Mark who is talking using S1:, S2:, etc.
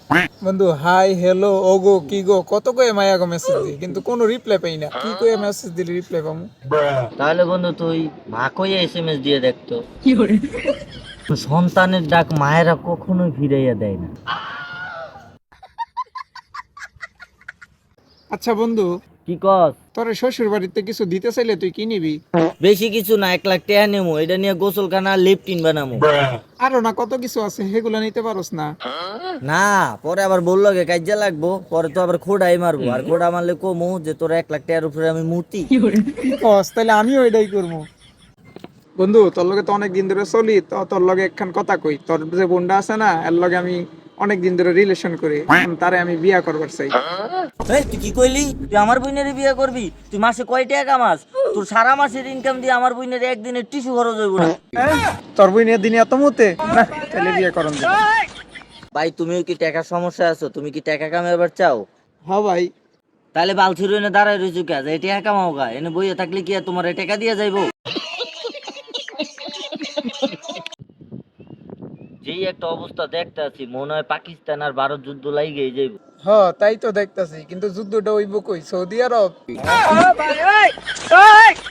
S1: বন্ধু hi hello ওগো কি গো কত কয়ে মায়া গো মেসেজ দিই কিন্তু কোনো রিপ্লাই পাই না, কি কয়ে মেসেজ দিলে রিপ্লাই পাবো?
S2: তাহলে বন্ধু তুই মা কইয়া এসএমএস দিয়ে দেখতো। সন্তানের ডাক মায়েরা কখনোই ফিরাইয়া দেয় না।
S1: আচ্ছা বন্ধু,
S2: কি কস?
S1: তোর শ্বশুর বাড়িতে কিছু দিতে চাইলে তুই কি নিবি?
S2: বেশি কিছু না, 1 লাখ টাকা নেবো, এটা নিয়ে গোসলখানা লেপটিন বানাবো।
S1: আরো না কত কিছু আছে, সেগুলো নিতে পারোস না?
S2: না, পরে আবার বললো গে কাজ্জা লাগবো, পরে তো আবার খোড়াই মারবো, আর খোড়া মারলে কমু যে তোর 1 লাখ টাকার উপরে আমি মূর্তি।
S1: কি কস, তাহলে আমিও এটাই করবো। বন্ধু তোর লগে তো অনেক দিন ধরে চলি, তো তোর লগে একখান কথা কই। তোর যে বোনটা আছে না, এর লগে আমি অনেক দিন ধরে রিলেশন করি, এখন তারে আমি বিয়া করবার চাই।
S2: এই তুই কি কইলি? তুই আমার বোনের বিয়ে করবি? তুই মাসে কয় টাকা কামাস? তোর সারা মাসের ইনকাম দিয়ে আমার বোনের একদিনের টিস্যু খরচ হইব না।
S1: তোর বোনের দিনে এত মতে না, তাহলে বিয়া করন যাবে।
S2: ভাই তুমিও কি টাকার সমস্যা আছো? তুমি কি টাকা কামাইবার চাও?
S1: হ্যাঁ ভাই।
S2: তাহলে বালছির এনে দাঁড়ায় রয়েছো কে? এই টাকা কামাও গা, এনে বইয়ে থাকলে কি আর তোমার এই টাকা দিয়ে যাইবো? যেই একটা অবস্থা দেখতে আছি, মনে হয় পাকিস্তান আর ভারত যুদ্ধ লাগিয়ে যাইব।
S1: হ তাই তো দেখতাছি, কিন্তু যুদ্ধটা হইব কই? সৌদি আরব।